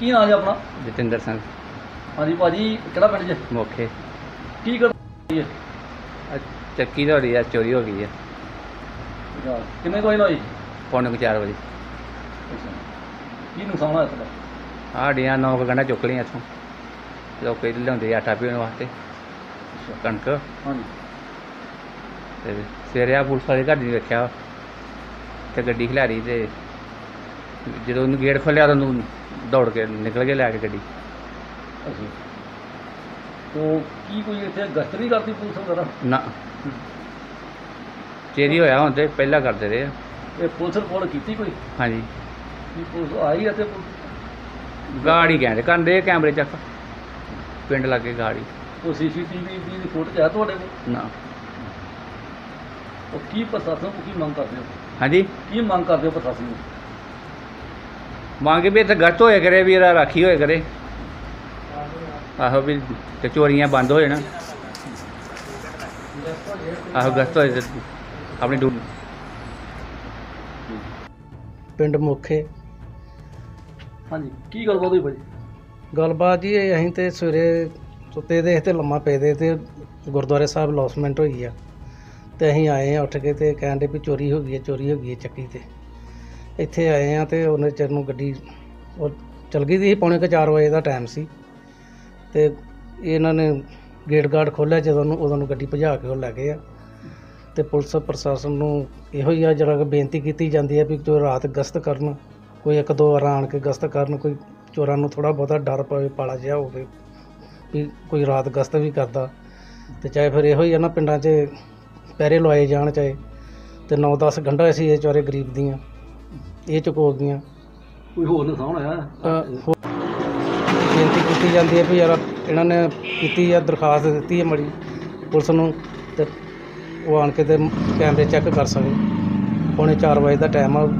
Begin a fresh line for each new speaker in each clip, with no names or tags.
ਕੀ ਨਾਂ ਜੀ ਆਪਣਾ?
ਜਤਿੰਦਰ ਸਿੰਘ
ਹਾਂਜੀ ਭਾਜੀ, ਕਿਹੜਾ ਪਿੰਡ ਜੀ?
ਮੋਖੇ।
ਕੀ ਕਰ ਹੈ?
ਚੱਕੀ ਤੁਹਾਡੀ ਆ ਚੋਰੀ ਹੋ ਗਈ ਆ।
ਕਿੰਨੇ ਕੋਈ ਨਾ ਹੋਈ?
ਪੌਣੇ ਕੁ 4 ਵਜੇ।
ਕੀ ਨੁਕਸਾਨ ਹੋਇਆ ਤੁਹਾਡਾ?
ਸਾਡੀਆਂ 9 ਗੰਢਾਂ ਚੁੱਕ ਲਈਆਂ ਇੱਥੋਂ। ਲੋਕ ਲਿਆਉਂਦੇ ਆਟਾ ਪੀਣ ਵਾਸਤੇ, ਕਣਕ।
ਹਾਂਜੀ।
ਤੇ ਸਵੇਰੇ ਆ ਪੁਲਿਸ ਵਾਲੇ ਘਰ ਨਹੀਂ ਵੇਖਿਆ ਤੇ ਗੱਡੀ ਖਿਲਾਰੀ, ਤੇ ਜਦੋਂ ਉਹਨੂੰ ਗੇਟ ਖੋਲ੍ਹਿਆ ਤਾਂ ਉਹਨੂੰ ਦੌੜ ਕੇ ਨਿਕਲ ਕੇ ਲੈ ਕੇ ਗੱਡੀ।
ਅੱਛਾ। ਤੋ ਕੀ ਕੋਈ ਇੱਥੇ ਗਸ਼ਤ ਨਹੀਂ ਕਰਦੀ ਪੁਲਿਸ ਵਗੈਰਾ?
ਨਾ, ਚੋਰੀ ਹੋਇਆ ਹੁਣ ਤੇ ਪਹਿਲਾਂ ਕਰਦੇ ਰਹੇ ਆ।
ਇਹ ਪੁਲਿਸ ਰਿਪੋਰਟ ਕੀਤੀ ਕੋਈ?
ਹਾਂਜੀ,
ਕੀ ਪੁਲਿਸ ਆਈ ਅਤੇ
ਗਾੜੀ ਕਹਿੰਦੇ ਕਰਦੇ ਕੈਮਰੇ ਚੱਕ ਪਿੰਡ ਲਾਗੇ ਗਾੜੀ।
ਉਹ CCTV ਦੀ ਫੋਟੋ ਹੈ ਤੁਹਾਡੇ ਕੋਲ?
ਨਾ।
ਉਹ ਕੀ ਪ੍ਰਸ਼ਾਸਨ ਨੂੰ ਕੀ ਮੰਗ ਕਰਦੇ ਹੋ?
ਹਾਂਜੀ,
ਕੀ ਮੰਗ ਕਰਦੇ ਹੋ ਪ੍ਰਸ਼ਾਸਨ ਨੂੰ?
ਮੰਗ ਵੀ ਇੱਥੇ ਗਸ਼ਤ ਹੋਇਆ ਕਰੇ, ਵੀ ਇਹਦਾ ਰਾਖੀ ਹੋਇਆ ਕਰੇ। ਆਹੋ ਵੀ ਤੇ ਚੋਰੀਆਂ ਬੰਦ ਹੋ ਜਾਣ। ਆਹੋ ਗਸ਼ਤ ਹੋਏ ਤੇ ਆਪਣੀ
ਪਿੰਡ ਮੋਖੇ।
ਹਾਂਜੀ, ਕੀ ਗੱਲਬਾਤ ਹੋਈ ਭਾਜੀ?
ਗੱਲਬਾਤ ਜੀ ਇਹ ਅਸੀਂ ਤੇ ਸਵੇਰੇ ਸੁੱਤੇ ਦੇ ਤੇ ਲੰਮਾ ਪਏ ਦੇ ਤੇ ਗੁਰਦੁਆਰੇ ਸਾਹਿਬ ਲੌਸਮੈਂਟ ਹੋਈ ਆ, ਤੇ ਅਸੀਂ ਆਏ ਆ ਉੱਠ ਕੇ ਤੇ ਕਹਿਣ ਦੇ ਵੀ ਚੋਰੀ ਹੋ ਗਈ ਹੈ ਚੱਕੀ ਤੇ। ਇੱਥੇ ਆਏ ਆ ਤੇ ਉਹਨੇ ਚਿਰ ਨੂੰ ਗੱਡੀ ਉਹ ਚਲ ਗਈ ਸੀ। ਪੌਣੇ ਕੁ 4 ਵਜੇ ਦਾ ਟਾਈਮ ਸੀ, ਤੇ ਇਹਨਾਂ ਨੇ ਗੇਟ ਗਾਰਡ ਖੋਲ੍ਹਿਆ ਜਦੋਂ ਉਦੋਂ ਨੂੰ ਗੱਡੀ ਭਜਾ ਕੇ ਉਹ ਲੈ ਗਏ ਆ। ਤੇ ਪੁਲਿਸ ਪ੍ਰਸ਼ਾਸਨ ਨੂੰ ਇਹੋ ਹੀ ਆ ਜਿਹੜਾ ਕਿ ਬੇਨਤੀ ਕੀਤੀ ਜਾਂਦੀ ਹੈ ਵੀ ਜੋ ਰਾਤ ਗਸ਼ਤ ਕਰਨ, ਕੋਈ 1-2 ਵਾਰ ਆਣ ਕੇ ਗਸ਼ਤ ਕਰਨ, ਕੋਈ ਚੋਰਾਂ ਨੂੰ ਥੋੜ੍ਹਾ ਬਹੁਤਾ ਡਰ ਪਵੇ, ਪਾਲਾ ਜਿਹਾ ਹੋਵੇ ਵੀ ਕੋਈ ਰਾਤ ਗਸ਼ਤ ਵੀ ਕਰਦਾ। ਤੇ ਚਾਹੇ ਫਿਰ ਇਹੋ ਹੀ ਆ ਨਾ, ਪਿੰਡਾਂ 'ਚ ਪਹਿਰੇ ਲਵਾਏ ਜਾਣ ਚਾਹੇ, ਤੇ 9-10 ਗੰਢਾਂ ਸੀ ਇਹ ਚੋਰੇ ਗਰੀਬ ਦੀਆਂ, ਇਹ ਚੁਕੋ ਗਈਆਂ।
ਕੋਈ ਹੋਰ ਨੁਕਸਾਨ ਹੋਇਆ?
ਬੇਨਤੀ ਕੀਤੀ ਜਾਂਦੀ ਹੈ ਵੀ ਯਾਰ ਇਹਨਾਂ ਨੇ ਕੀਤੀ ਆ, ਦਰਖਾਸਤ ਦਿੱਤੀ ਹੈ ਮੜੀ ਪੁਲਿਸ ਨੂੰ, ਤੇ ਉਹ ਆਣ ਕੇ ਤੇ ਕੈਮਰੇ ਚੈੱਕ ਕਰ ਸਕੇ। ਪੌਣੇ 4 ਵਜੇ ਦਾ ਟਾਈਮ ਆ।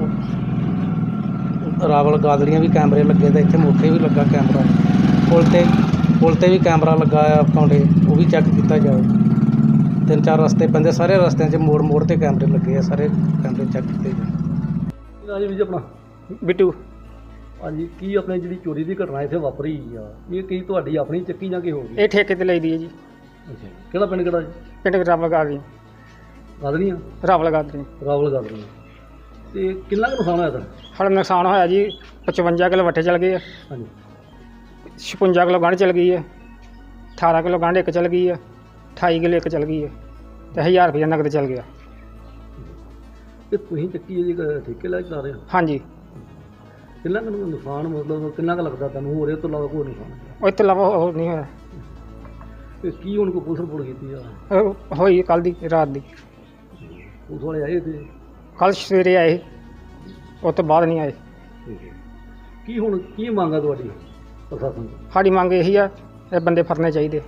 ਰਾਵਲ ਗਾਦੜੀਆਂ ਵੀ ਕੈਮਰੇ ਲੱਗੇ, ਤੇ ਇੱਥੇ ਮੋਖੇ ਵੀ ਲੱਗਾ ਕੈਮਰਾ। ਪੁਲ ਤੇ ਵੀ ਕੈਮਰਾ ਲੱਗਾ ਆ ਕਾਉਂਡੇ, ਉਹ ਵੀ ਚੈੱਕ ਕੀਤਾ ਜਾਵੇ। 3-4 ਰਸਤੇ ਪੈਂਦੇ, ਸਾਰੇ ਰਸਤਿਆਂ 'ਚ ਮੋੜ ਤੇ ਕੈਮਰੇ ਲੱਗੇ ਆ, ਸਾਰੇ ਕੈਮਰੇ ਚੈੱਕ ਕੀਤੇ ਜਾਣ।
ਹਾਂਜੀ ਵੀਰ ਜੀ, ਆਪਣਾ?
ਬਿੱਟੂ।
ਹਾਂਜੀ, ਕੀ ਆਪਣੇ ਜਿਹੜੀ ਚੋਰੀ ਦੀ ਘਟਨਾ ਇੱਥੇ ਵਾਪਰੀ ਆ, ਇਹ ਕੀ ਤੁਹਾਡੀ ਆਪਣੀ ਚੱਕੀ ਜਾਂ ਕੀ ਹੋ ਗਈ?
ਇਹ ਠੇਕੇ ਤੇ ਲਈਦੀ ਹੈ ਜੀ।
ਅੱਛਾ, ਕਿਹੜਾ ਪਿੰਡ ਕਿਹੜਾ ਜੀ?
ਪਿੰਡ ਰਾਵਲ ਗਾਦੜੀ।
ਗਾਦੜੀਆਂ?
ਰਾਵਲ ਗਾਦੜੀ।
ਰਾਵਲ ਗਾਦੜੀਆਂ। ਤੇ ਕਿੰਨਾ ਕੁ ਨੁਕਸਾਨ ਹੋਇਆ ਤਾਂ?
ਸਾਡਾ ਨੁਕਸਾਨ ਹੋਇਆ ਜੀ 55 ਕਿਲੋ ਵੱਟੇ ਚਲ ਗਏ ਆ।
ਹਾਂਜੀ।
56 ਕਿਲੋ ਗੰਢ ਚਲ ਗਈ ਹੈ। 18 ਕਿਲੋ ਗੰਢ ਇੱਕ ਚਲ ਗਈ ਹੈ। 28 ਕਿਲੋ ਇੱਕ ਚਲ ਗਈ ਹੈ, ਤੇ 1000 ਰੁਪਇਆ ਨਕਦ ਚਲ ਗਿਆ।
ਤੇ ਤੁਸੀਂ ਚੱਕੀ ਜੀ ਠੇਕੇ ਲੈ ਕੇ ਚਲਾ ਰਹੇ ਹੋ?
ਹਾਂਜੀ।
ਕਿੰਨਾ ਕੁ ਨੁਕਸਾਨ, ਮਤਲਬ ਕਿੰਨਾ ਕੁ ਲੱਗਦਾ ਤੁਹਾਨੂੰ? ਹੋਰ ਇਹ ਤੋਂ ਇਲਾਵਾ ਕੋਈ ਨੁਕਸਾਨ?
ਉਹ ਤੋਂ ਇਲਾਵਾ ਹੋਰ ਨਹੀਂ ਹੋਇਆ।
ਤੇ ਕੀ ਹੁਣ ਕੋਈ ਪੁਲਿਸ ਰਿਪੋਰਟ ਕੀਤੀ ਆ?
ਹੋਈ ਕੱਲ੍ਹ ਦੀ ਰਾਤ ਦੀ।
ਪੁਲਿਸ ਵਾਲੇ ਆਏ ਤੇ?
ਕੱਲ੍ਹ ਸਵੇਰੇ ਆਏ, ਉਸ ਤੋਂ ਬਾਅਦ ਨਹੀਂ ਆਏ।
ਕੀ ਹੁਣ ਕੀ ਮੰਗ ਆ ਤੁਹਾਡੀ ਪ੍ਰਸ਼ਾਸਨ ਤੋਂ?
ਸਾਡੀ ਮੰਗ ਇਹੀ ਆ, ਇਹ ਬੰਦੇ ਫੜਨੇ ਚਾਹੀਦੇ।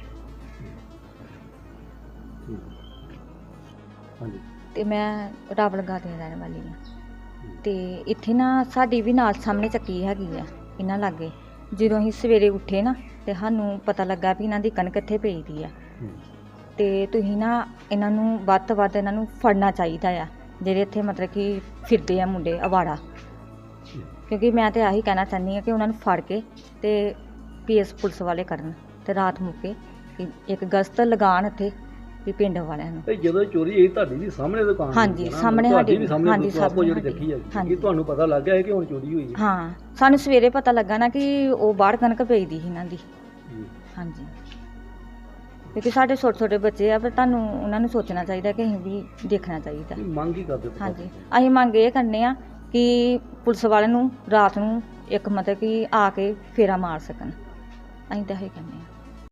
ਹਾਂਜੀ।
ਤੇ ਮੈਂ ਰਾਵਲ ਗਾਦੜੀ ਦੀ ਰਹਿਣ ਵਾਲੀ ਹਾਂ। ਤੇ ਇੱਥੇ ਨਾ ਸਾਡੀ ਵੀ ਨਾਲ ਸਾਹਮਣੇ ਚੱਕੀ ਹੈਗੀ ਆ ਇਹਨਾਂ ਲਾਗੇ। ਜਦੋਂ ਅਸੀਂ ਸਵੇਰੇ ਉੱਠੇ ਨਾ, ਤੇ ਸਾਨੂੰ ਪਤਾ ਲੱਗਾ ਵੀ ਇਹਨਾਂ ਦੀ ਕਣਕ ਇੱਥੇ ਪਈ ਦੀ ਆ। ਤੇ ਤੁਸੀਂ ਨਾ ਇਹਨਾਂ ਨੂੰ ਵੱਧ ਤੋਂ ਵੱਧ ਇਹਨਾਂ ਨੂੰ ਫੜਨਾ ਚਾਹੀਦਾ ਆ, ਜਿਹੜੇ ਇੱਥੇ ਮਤਲਬ ਕਿ ਫਿਰਦੇ ਆ ਮੁੰਡੇ ਅਵਾੜਾ। ਕਿਉਂਕਿ ਮੈਂ ਤਾਂ ਆਹੀ ਕਹਿਣਾ ਚਾਹੁੰਦੀ ਹਾਂ ਕਿ ਉਹਨਾਂ ਨੂੰ ਫੜ ਕੇ ਤੇ PS ਪੁਲਿਸ ਵਾਲੇ ਕਰਨ, ਤੇ ਰਾਤ ਮੁੱਕੇ ਇੱਕ ਗਸ਼ਤ ਲਗਾਉਣ ਇੱਥੇ ਵੀ ਪਿੰਡ ਵਾਲਿਆਂ ਨੂੰ।
ਜਦੋਂ ਚੋਰੀ ਹੋਈ ਤੁਹਾਡੀ ਵੀ ਸਾਹਮਣੇ ਦੁਕਾਨ?
ਹਾਂਜੀ, ਸਾਹਮਣੇ ਸਾਡੀ ਵੀ। ਹਾਂਜੀ,
ਸਭ ਜਿਹੜੀ ਚੱਕੀ ਹੈ, ਕੀ ਤੁਹਾਨੂੰ ਪਤਾ ਲੱਗ ਗਿਆ ਹੈ ਕਿ ਹੁਣ ਚੋਰੀ ਹੋਈ ਹੈ?
ਹਾਂ, ਸਾਨੂੰ ਸਵੇਰੇ ਪਤਾ ਲੱਗਾ ਨਾ ਕਿ ਉਹ ਬਾਹਰ ਕਣਕ ਪਈ ਦੀ ਸੀ ਇਹਨਾਂ ਦੀ। ਹਾਂਜੀ, ਕਿਉਂਕਿ ਸਾਡੇ ਛੋਟੇ ਬੱਚੇ ਆ, ਪਰ ਤੁਹਾਨੂੰ ਉਹਨਾਂ ਨੂੰ ਸੋਚਣਾ ਚਾਹੀਦਾ ਕਿ ਅਸੀਂ ਵੀ ਦੇਖਣਾ ਚਾਹੀਦਾ।
ਮੰਗ ਕੀ ਕਰਦੇ?
ਹਾਂਜੀ, ਅਸੀਂ ਮੰਗ ਇਹ ਕਰਨੇ ਆ ਕਿ ਪੁਲਿਸ ਵਾਲਿਆਂ ਨੂੰ ਰਾਤ ਨੂੰ ਇੱਕ ਮਤਲਬ ਕਿ ਆ ਕੇ ਫੇਰਾ ਮਾਰ ਸਕਣ। ਅਸੀਂ ਤਾਂ ਇਹ ਕਹਿੰਦੇ ਹਾਂ।